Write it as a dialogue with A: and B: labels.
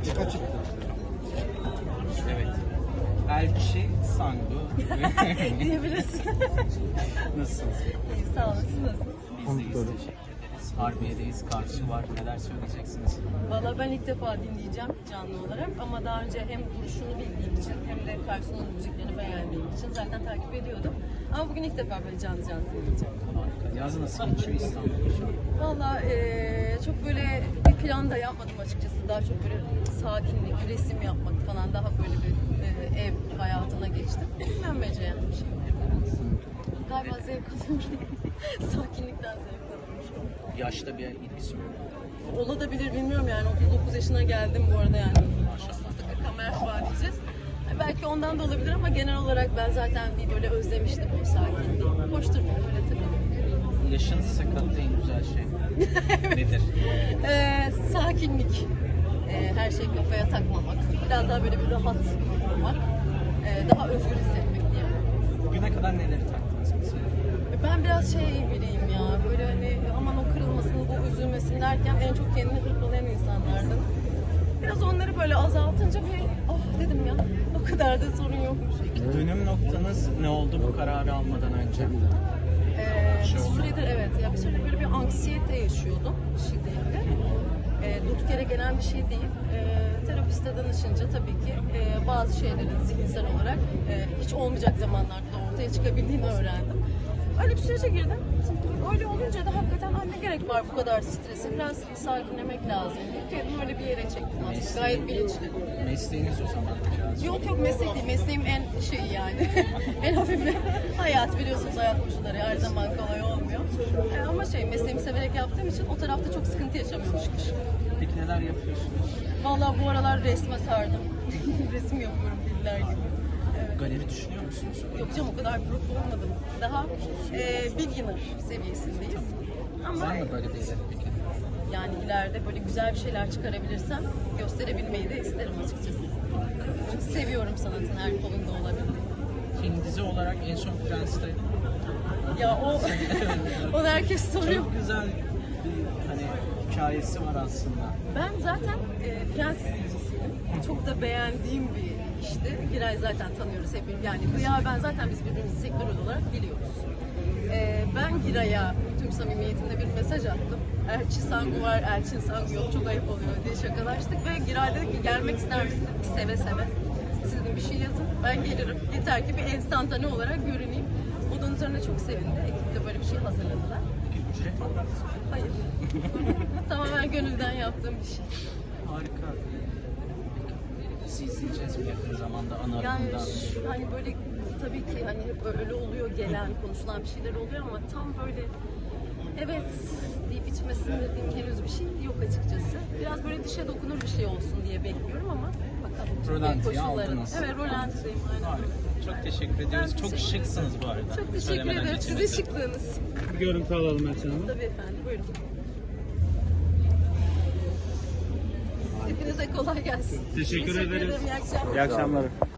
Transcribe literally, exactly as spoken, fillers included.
A: Açık açık.
B: Evet. Elçi Sangu.
C: Diyebilirsin.
B: Nasılsınız?
C: İyi, sağ olun. Siz nasılsınız?
B: Biz deyiz, teşekkür ederiz. Harbiye'deyiz, karşı var. Neler söyleyeceksiniz?
C: Valla ben ilk defa dinleyeceğim canlı olarak ama daha önce hem duruşunu bildiğim için hem de Karsu'nun müziklerini beğendiğim için zaten takip ediyordum. Ama bugün ilk defa böyle canlı canlı dinleyeceğim.
B: Harika. Yaz nasıl geçiyor İstanbul'da şu an?
C: Valla eee, çok böyle bir plan da yapmadım açıkçası. Daha çok böyle sakinlik, resim yapmak falan daha böyle bir eee, ev hayatına geçtim. Dinlenmece yani bir şey. Galiba zevk alıyorum. Sakinlikten zevk alıyorum.
B: Yaşta bir ilgisi mi?
C: Olabilir bilmiyorum yani otuz dokuz yaşına geldim bu arada yani. Maşallah kamera var diyeceğiz. Yani belki ondan da olabilir ama genel olarak ben zaten bir böyle özlemiştim o sakinliği. Hoş durmuyorum öyle tabii.
B: Yaşın size kattığı en güzel şey nedir?
C: Ee, sakinlik. Ee, her şeyi kafaya takmamak. Biraz daha böyle bir rahat olmak. Ee, daha özgür hissetmek diye.
B: Bugüne kadar neleri taktınız mesela?
C: Ben biraz şey biriyim ya, böyle hani aman o kırılmasın, bu üzülmesin derken en çok kendini hırpalayan insanlardım. Biraz onları böyle azaltınca bir ah dedim ya, o kadar da sorun yokmuş.
B: Dönüm noktanız ne oldu bu kararı almadan önce?
C: Ee, bir süredir evet, ya bir süredir böyle bir anksiyete yaşıyordum şiddetli. Ee, durduk yere gelen bir şey değil. Ee, terapiste danışınca tabii ki e, bazı şeylerin zihinsel olarak e, hiç olmayacak zamanlarda da ortaya çıkabildiğini öğrendim. Öyle bir sürece girdim. Öyle olunca da hakikaten "Ay, ne gerek var bu kadar strese, biraz sakinlemek lazım." Kendimi öyle bir yere çektim aslında, gayet bilinçli.
B: Mesleğiniz o zaman biraz.
C: Yok yok meslek değil, mesleğim en şeyi yani, en hafifi. Hayat biliyorsunuz, hayat koşulları her zaman kolay olmuyor. E, ama şey, mesleğimi severek yaptığım için o tarafta çok sıkıntı yaşamıyormuşmuş.
B: Peki neler yapıyorsunuz?
C: Vallahi bu aralar resme sardım. Resim yapıyorum diller gibi.
B: Galeri düşünüyor musunuz?
C: Yok canım o kadar pro olmadım. Daha e, beginner seviyesindeyiz. Ama
B: Var mı böyle bir hedef peki?
C: yani ileride böyle güzel bir şeyler çıkarabilirsem gösterebilmeyi de isterim açıkçası. Çünkü seviyorum sanatın her kolunda olabildiğini.
B: Film dizi olarak en son Prens'te
C: Ya o, onu herkes soruyor.
B: çok güzel bir hani hikayesi var aslında.
C: Ben zaten e, Prens izleyicisiyim. Çok da beğendiğim bir işti. Giray zaten tanıyoruz hepimiz. Yani Hülya ben zaten biz birbirimizi sektörel olarak biliyoruz. E, ben Giray'a tüm samimiyetimle bir mesaj attım. Elçi Sangu var, Elçin Sangu yok, çok ayıp oluyor diye şakalaştık ve Giray dedi ki gelmek ister misin? Seve seve. Siz dedim bir şey yazın, ben gelirim. Yeter ki bir enstantane olarak görüneyim. Onun üzerine çok sevindi. Ekip de böyle bir şey hazırladılar.
B: Peki ücret aldınız mı?
C: Hayır. Tamamen gönülden yaptığım bir şey.
B: Harika. Sizi izleyeceğiz bir yakın zamanda ana
C: Yani
B: akımdan.
C: şu- hani böyle tabii ki hani hep öyle oluyor, gelen konuşulan bir şeyler oluyor ama tam böyle evet deyip içmesini dediğim henüz bir şey yok açıkçası. Biraz böyle dişe dokunur bir şey olsun diye bekliyorum ama bakalım.
B: Rolantiyi
C: Koşulları.
B: aldınız.
C: Evet, rolantideyim aynen.
B: Harika. Çok teşekkür ediyoruz. Çok
C: teşekkür ederim.
B: şıksınız bu arada.
C: Çok teşekkür
B: Söylemeden
C: ederim.
B: geçemedim.
C: Sizin şıklığınız.
A: Bir görüntü alalım Elçin Hanım.
C: Tabii efendim, buyurun. Hepinize kolay gelsin.
A: Teşekkür ederiz.
C: ederim, iyi akşamlar.
A: İyi akşamlar.